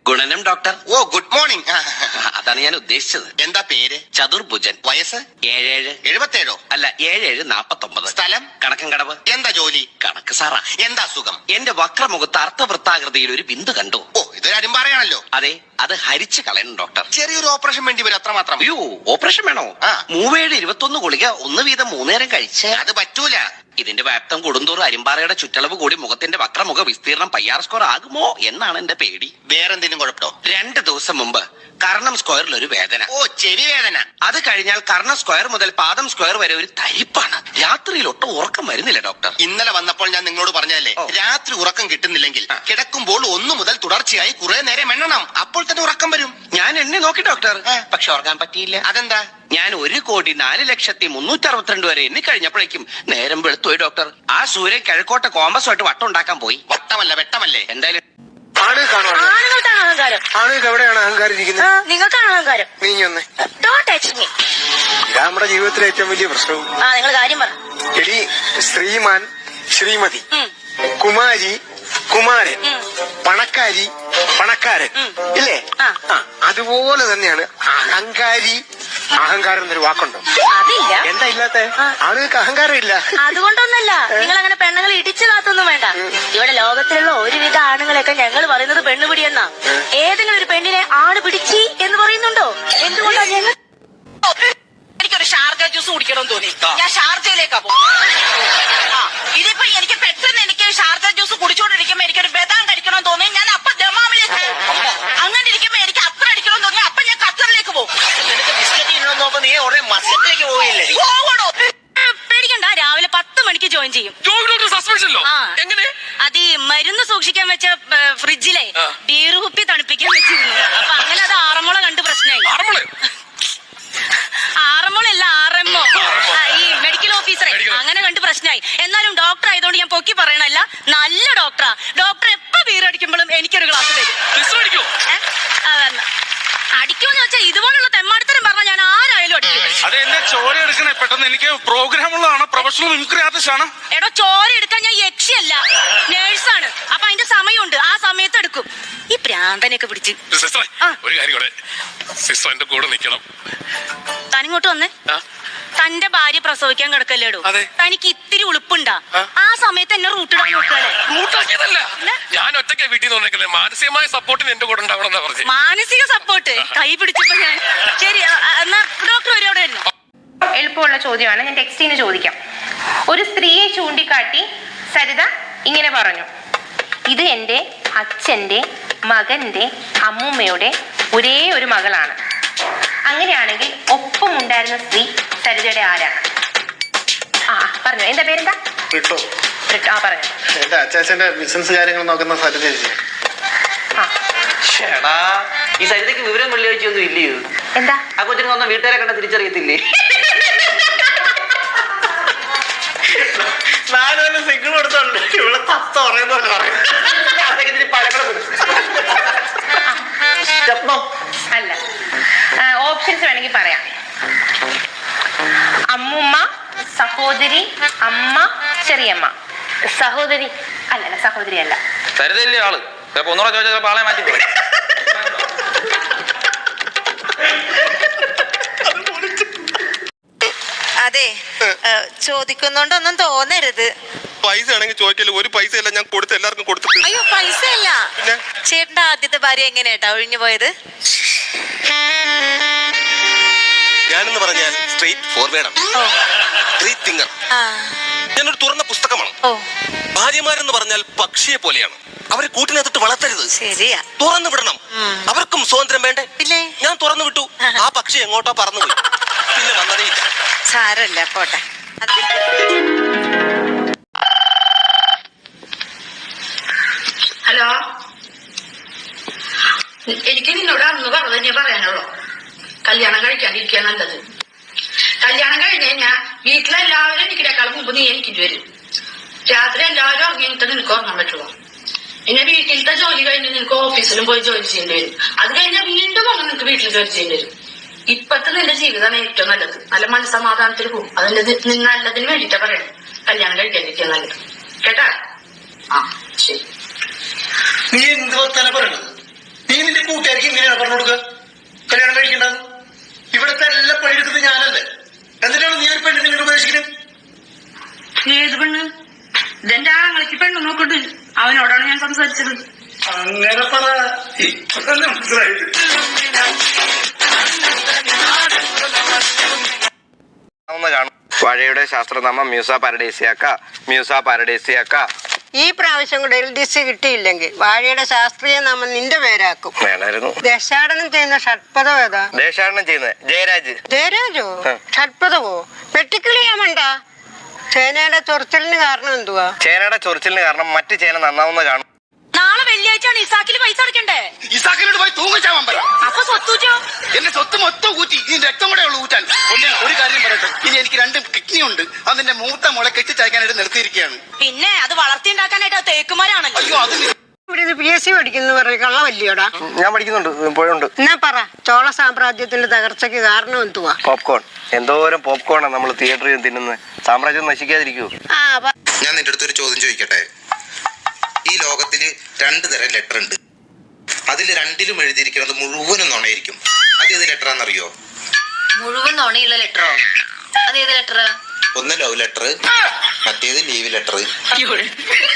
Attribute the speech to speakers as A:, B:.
A: ഗുണനം ഡോക്ടർ.
B: ഓ good morning.
A: അതാണ് ഞാൻ ഉദ്ദേശിച്ചത്.
B: എന്താ പേര്?
A: ചതുർഭുജൻ.
B: വയസ്സ്?
A: 77.
B: അല്ല
A: 7749.
B: സ്ഥലം?
A: കണക്കൻകടവ്.
B: എന്താ ജോലി?
A: കണക്ക് സാറാ.
B: എന്താ അസുഖം?
A: എന്റെ വക്രമുഖത്ത് അർത്ഥവൃത്താകൃതിയിൽ ഒരു ബിന്ദു കണ്ടു.
B: ഓ ഇതൊരു അരുമ്പാറയാണല്ലോ.
A: അതെ, അത് ഹരിച്ചു കളയണം ഡോക്ടർ.
B: ചെറിയൊരു ഓപ്പറേഷൻ വേണ്ടി വരും, അത്രമാത്രം.
A: അയ്യോ, ഓപ്പറേഷൻ വേണോ? 3721 ഗുളിക 1 വീതം 3 നേരം കഴിച്ച്.
B: അത് പറ്റൂല.
A: ഇതിന്റെ വ്യാപ്തം കൂടുന്തോറും അരിമ്പാറയുടെ ചുറ്റളവ് കൂടി മുഖത്തിന്റെ വക്രമുഖ വിസ്തീർണം പയ്യാർ സ്ക്വയർ ആകുമോ എന്നാണ് എന്റെ പേടി.
B: വേറെന്തെങ്കിലും കുഴപ്പമോ?
A: 2 ദിവസം മുമ്പ് കർണം സ്ക്വയറിൽ ഒരു വേദന.
B: ഓ ചെവി വേദന.
A: അത് കഴിഞ്ഞാൽ കർണ സ്ക്വയർ മുതൽ പാദം സ്ക്വയർ വരെ ഒരു തരിപ്പാണ്. രാത്രിയിൽ ഒട്ടും ഉറക്കം വരുന്നില്ല ഡോക്ടർ.
B: ഇന്നലെ വന്നപ്പോൾ ഞാൻ നിങ്ങളോട് പറഞ്ഞതല്ലേ, രാത്രി ഉറക്കം കിട്ടുന്നില്ലെങ്കിൽ കിടക്കുമ്പോൾ 1 മുതൽ തുടർച്ചയായി കുറെ നേരം എണ്ണണം, അപ്പോൾ തന്നെ ഉറക്കം വരും.
A: ഞാൻ എണ്ണി നോക്കി ഡോക്ടർ, പക്ഷെ ഉറങ്ങാൻ പറ്റിയില്ല.
B: അതെന്താ?
A: ഞാൻ 1,04,362 വരെ എണ്ണി കഴിഞ്ഞപ്പോഴേക്കും നേരം വെളുത്തുപോയി ഡോക്ടർ. ആ സൂര്യൻ കിഴക്കോട്ടെ കോമ്പസുമായിട്ട് വട്ടം ഉണ്ടാക്കാൻ പോയി.
B: വട്ടമല്ല വെട്ടമല്ലേ.
A: എന്തായാലും
C: ആണുങ്ങൾക്കാണ് അഹങ്കാരം.
D: ആണുങ്ങൾക്ക് എവിടെയാണ് അഹങ്കാരം ഇരിക്കുന്നത്?
C: നിങ്ങൾക്കാണ് അഹങ്കാരം.
D: നീങ്ങി
C: Don't touch me.
D: നമ്മുടെ ജീവിതത്തിലെ ഏറ്റവും വലിയ പ്രശ്നവും.
C: നിങ്ങൾ കാര്യം പറ.
D: എടി, ശ്രീമാൻ, ശ്രീമതി, കുമാരി, കുമാരൻ, പണക്കാരി, പണക്കാരൻ, ഇല്ലേ? അതുപോലെ തന്നെയാണ് അഹങ്കാരി. അഹങ്കാരം എന്നൊരു വാക്കുണ്ടോ?
C: അതില്ല.
D: എന്താ ഇല്ലാത്ത? ആളുകൾക്ക് അഹങ്കാരം ഇല്ല.
C: അതുകൊണ്ടൊന്നല്ല, നിങ്ങൾ അങ്ങനെ പെണ്ണുങ്ങൾ ഇടിച്ചു കാത്തൊന്നും വേണ്ട. ഇവിടെ ലോകത്തിലുള്ള ഒരുവിധ ആണുങ്ങളെയൊക്കെ ഞങ്ങൾ പറയുന്നത് പെണ്ണുപിടിയെന്നാ. ഏതെങ്കിലും ഒരു പെണ്ണിനെ ആണ് പിടിച്ചി എന്ന് പറയുന്നുണ്ടോ? എന്തുകൊണ്ടാ ഞങ്ങൾ?
E: എനിക്കൊരു ഷാർജ ജ്യൂസ് കുടിക്കണമെന്ന് തോന്നി, ഞാൻ ഷാർജയിലേക്കാ പോകുന്നത്. ഇതിപ്പോ എനിക്ക് പെട്ടെന്ന് എനിക്ക് ഷാർജ ജ്യൂസ് കുടിച്ചോണ്ടിരിക്കുമ്പോ എനിക്കൊരു ബദാം കഴിക്കണമെന്ന് തോന്നി, ഞാൻ അപ്പൊ ദമാമിലേക്ക് പോകും. അങ്ങനെ ഇരിക്കുമ്പോ എനിക്ക് അത്ര അടിക്കണമെന്ന് തോന്നി, അപ്പൊ ഞാൻ ഖത്തറിലേക്ക് പോകും.
B: നീ ഉടനെ മസ്കറ്റിലേക്ക് പോയില്ലേ?
E: പോകണോ? പേടിക്കണ്ട, രാവിലെ 10 മണിക്ക് ജോയിൻ ചെയ്യും. അത് ഈ മരുന്ന് സൂക്ഷിക്കാൻ വെച്ച ഫ്രിഡ്ജിലെ ബീർ കുപ്പി തണുപ്പിക്കാൻ വെച്ചിരുന്നു. അപ്പൊ അങ്ങനെ അത് ആറന്മുള കണ്ട് പ്രശ്നമായി. ആറന്മുളല്ല, ആറന്മോ, ഈ മെഡിക്കൽ ഓഫീസറെ അങ്ങനെ കണ്ട് പ്രശ്നമായി. എന്നാലും ഡോക്ടർ ആയതുകൊണ്ട് ഞാൻ പൊക്കി പറയണല്ല, നല്ല ഡോക്ടറാ. ഡോക്ടർ എപ്പോ ബീറടിക്കുമ്പോഴും എനിക്കൊരു ഗ്ലാസ് തരും. അടിക്കുമെന്ന് വെച്ചാൽ ഇതുപോലുള്ള തെമ്മാടിത്തരം പറഞ്ഞാൽ ഞാൻ ആരായാലും അടിക്കും.
F: അത് എന്റെ ചോര എടുക്കണേ പെട്ടെന്ന്. എനിക്ക് പ്രോഗ്രാം ഉള്ളതാണ്, പ്രൊഫഷണൽ മിമിക്രി ആർട്ടിസ്റ്റ് ആണ്.
E: എടോ, ചോര എടുക്കാൻ ഞാൻ യക്ഷിയല്ല, നേഴ്സാണ്. അപ്പൊ അതിന്റെ സമയമുണ്ട്, ആ സമയത്ത് എടുക്കും. ഈ പ്രാന്തനെയൊക്കെ പിടിച്ച്.
F: ഒരു കാര്യം കൂടെ, സിസ്റ്റർ എന്റെ കൂടെ നിൽക്കണം.
E: തനിങ്ങോട്ട് വന്നേ. തന്റെ ഭാര്യ പ്രസവിക്കാൻ കിടക്കല്ലേടോ, തനിക്ക് ഇത്തിരി ഉളുപ്പുണ്ടാ? ആ സമയത്ത് എന്നെ റൂട്ടിടാൻ നോക്കാല്ലേ?
F: റൂട്ടാക്കിയതല്ല, ഞാൻ ഒറ്റയ്ക്ക് വീട്ടിൽ നിന്ന് വന്നേക്കല്ലേ. മാനസികമായ സപ്പോർട്ടിന് എന്റെ കൂടെ ഉണ്ടാവണമെന്നാ പറഞ്ഞു.
E: മാനസിക സപ്പോർട്ട് കൈ പിടിച്ചപ്പോ ഞാൻ ശരി. എന്നാ ഡോക്ടർ വരും, അവിടെ വരുന്നു.
G: എളുപ്പമുള്ള ചോദ്യമാണ്, ഞാൻ ടെക്സ്റ്റിന് ചോദിക്കാം. ഒരു സ്ത്രീയെ ചൂണ്ടിക്കാട്ടി സരിത ഇങ്ങനെ പറഞ്ഞു: ഇത് എൻ്റെ അച്ഛൻ്റെ മകന്റെ അമ്മൂമ്മയുടെ ഒരേ ഒരു മകളാണ്. അങ്ങനെയാണെങ്കിൽ ഒപ്പമുണ്ടായിരുന്ന സ്ത്രീ സരിതയുടെ ആരാണ്? പറഞ്ഞു. എന്താ പേരെന്താ?
D: റിട്ടോ.
G: റിട്ടോ. പറഞ്ഞു.
D: എന്റെ അച്ചാച്ചന്റെ ബിസിനസ് കാര്യങ്ങൾ നോക്കുന്ന സരിത.
H: ഈ സരിതയ്ക്ക് വിവരം വെള്ളിയാഴ്ചയൊന്നും ഇല്ലയോ?
G: എന്താ?
H: ആ കൊച്ചിന് വന്ന വീട്ടുകാരെ കണ്ട തിരിച്ചറിയത്തില്ലേ?
D: സിഗ്നൽ കൊടുത്തോണ്ട് ഇവിടെ തത്ത പറയുന്ന
G: അല്ല, ഓപ്ഷൻസ് വേണമെങ്കിൽ പറയാം. അമ്മുമ്മ, സഹോദരി, അമ്മ, ചെറിയമ്മ. സഹോദരി അല്ലല്ല, സഹോദരി അല്ല.
H: സരിതല്ലേ ആള്? ഒന്നുകൂടെ ചോദിച്ചാൽ ആളെ മാറ്റി പോയി.
I: അതെ, ചോദിക്കുന്നോണ്ടൊന്നും തോന്നരുത്.
B: പൈസ ആണെങ്കിൽ ചോദിക്കല്ലോ. ഒരു പൈസ അല്ല ഞാൻ കൊടുത്ത് എല്ലാവർക്കും കൊടുത്തിട്ട്.
I: അയ്യോ, പൈസ അല്ല. ചേട്ടന്റെ ആദ്യത്തെ ഭാര്യ എങ്ങനെയാട്ടാ ഒഴിഞ്ഞു പോയത്?
B: ഞാനെന്ന് പറഞ്ഞാൽ സ്ട്രെയിറ്റ് ഫോർവേഡാണ്, സ്ട്രെയിറ്റ് തിങ്കർ. ഞാനൊരു തുറന്ന പുസ്തകമാണ്. ഭാര്യമാരെന്ന് പറഞ്ഞാൽ പക്ഷിയെ പോലെയാണ്, അവരെ കൂട്ടിനകത്തിട്ട് വളർത്തരുത്.
I: ശരിയാ,
B: തുറന്നു വിടണം. അവർക്കും സ്വാതന്ത്ര്യം വേണ്ടേ? ഞാൻ തുറന്നു വിട്ടു, ആ പക്ഷി എങ്ങോട്ടോ പറന്നു പോയി, പിന്നെ വന്നതേയില്ല.
I: സാരല്ല, പോട്ടെ.
E: ഹലോ, എനിക്ക് നിന്നോട് അന്ന് പറഞ്ഞു പറയാനുള്ളൂ, കല്യാണം കഴിക്കാണ്ടിരിക്കുക നല്ലത്. കല്യാണം കഴിഞ്ഞ് കഴിഞ്ഞാൽ വീട്ടിലെല്ലാവരും എനിക്കിനേക്കാളും മുമ്പ് നീ എനിക്കിട്ട് വരും. രാത്രി എല്ലാവരും ഉറങ്ങിയിട്ട് നിനക്ക് ഉറങ്ങാൻ പറ്റുള്ളൂ. പിന്നെ വീട്ടിലത്തെ ജോലി കഴിഞ്ഞ് നിനക്ക് ഓഫീസിലും പോയി ജോലി ചെയ്യേണ്ടി വരും. അത് കഴിഞ്ഞാൽ വീണ്ടും വന്ന് നിനക്ക് വീട്ടിൽ ജോലി ചെയ്യേണ്ടി വരും. ഇപ്പത്തെ നിന്റെ ജീവിതമാണ് ഏറ്റവും നല്ലത്. നല്ല മനസ്സമാധാനത്തിൽ പോകും. അതിന്റെ നല്ലതിന് വേണ്ടിട്ടാ പറയണം കല്യാണം കഴിക്കാതിരിക്കുക നല്ലത്. കേട്ടാ? ശരി.
D: നീ എന്ത് വർത്താനം പറയണത്? നീ നിന്റെ കൂട്ടുകാർക്ക് ഇങ്ങനെയാണ് പറഞ്ഞു കൊടുക്കുക കല്യാണം കഴിക്കണ്ടെന്ന്. ഇവിടുത്തെ എല്ലാ പണിയെടുക്കുന്നത് ഞാനല്ലേ, എന്നിട്ടാണ് നീ ഒരു പെണ്ണിനെ ഇങ്ങനെ ഉപദേശിക്കുന്നത്?
E: ഏത് പെണ്ണ്? ഇതെന്റെ ആങ്ങളയ്ക്ക് പെണ്ണ് നോക്കണ്ട്, അവനോടാണ് ഞാൻ സംസാരിച്ചത്.
D: അങ്ങനെ പറ, ഇപ്പൊ തന്നെ മനസ്സിലായത്.
B: വാഴയുടെ ശാസ്ത്രനാമം മ്യൂസ പാരഡൈസിയാക്ക.
J: ഈ പ്രാവശ്യം കൂടെ LDC കിട്ടിയില്ലെങ്കിൽ വാഴയുടെ ശാസ്ത്രീയ നാമം നിന്റെ പേരാക്കും.
B: വേണമായിരുന്നു.
J: ദേശാടനം ചെയ്യുന്ന ഷഡ്പദം ഏതാ?
B: ദേശാടനം ചെയ്യുന്നത്
J: ജയരാജോ? ഷഡ്പദവോ? വെട്ടിക്കിളിയാമണ്ട. ചേനയുടെ ചൊറിച്ചിലിന് കാരണം എന്തുവാ?
B: ചേനയുടെ ചൊറിച്ചിലിന് കാരണം മറ്റു ചേന നന്നാവുന്ന കാണും.
C: നാളെ വെള്ളിയാഴ്ചയാണ് ഇസാക്കിൽ പൈസ അടക്കണ്ടേ?
B: ഇസാക്കിനോട് പോയി തൂങ്ങിച്ചാൻ പറ.
C: അപ്പൊ സ്വത്തൂച്ചോ?
B: എന്റെ സ്വത്ത് മൊത്തം കൂറ്റി ഇനി രക്തം കൂടെ ഉള്ളു ഊറ്റാൻ. ഒരു കാര്യം പറയട്ടെ, ഇനി എനിക്ക് 2 കിഡ്നി ഉണ്ട്. അതിന്റെ മൂത്ത മുള കെട്ടിച്ചയക്കാനായിട്ട് നിർത്തിയിരിക്കുകയാണ്.
C: പിന്നെ അത് വളർത്തിണ്ടാക്കാനായിട്ട് തേക്കുമാരാണല്ലോ.
B: അയ്യോ, അത്
J: ഇവിടെ PSC പഠിക്കുന്നു പറയും, കള്ളവല്ലിയോടാ?
B: ഞാൻ പഠിക്കുന്നുണ്ട്, ഇപ്പോഴുണ്ട്.
J: എന്നാ പറ, ചോള സാമ്രാജ്യത്തിന്റെ തകർച്ചയ്ക്ക് കാരണം എന്തുവാ?
B: പോപ്കോൺ. എന്തോരം പോപ്കോണാണ് നമ്മൾ തിയേറ്ററിൽ തിന്നുന്നത്. സാമ്രാജ്യം നശിക്കാതിരിക്കൂ.
K: ഞാൻ നിന്റെ അടുത്തൊരു ചോദ്യം ചോദിക്കട്ടെ. ഈ ലോകത്തില് 2 തരം ലെറ്റർ ഉണ്ട്. അതിൽ 2ലും എഴുതിയിരിക്കുന്നത് മുഴുവനും നുണയായിരിക്കും. അത് ഏത് ലെറ്ററാന്നറിയോ?
I: മുഴുവൻ നുണയുള്ള ലെറ്ററോ? അതേത് ലെറ്റർ?
K: ഒന്ന് ലവ് ലെറ്റർ, മറ്റേത് ലീവ് ലെറ്റർ.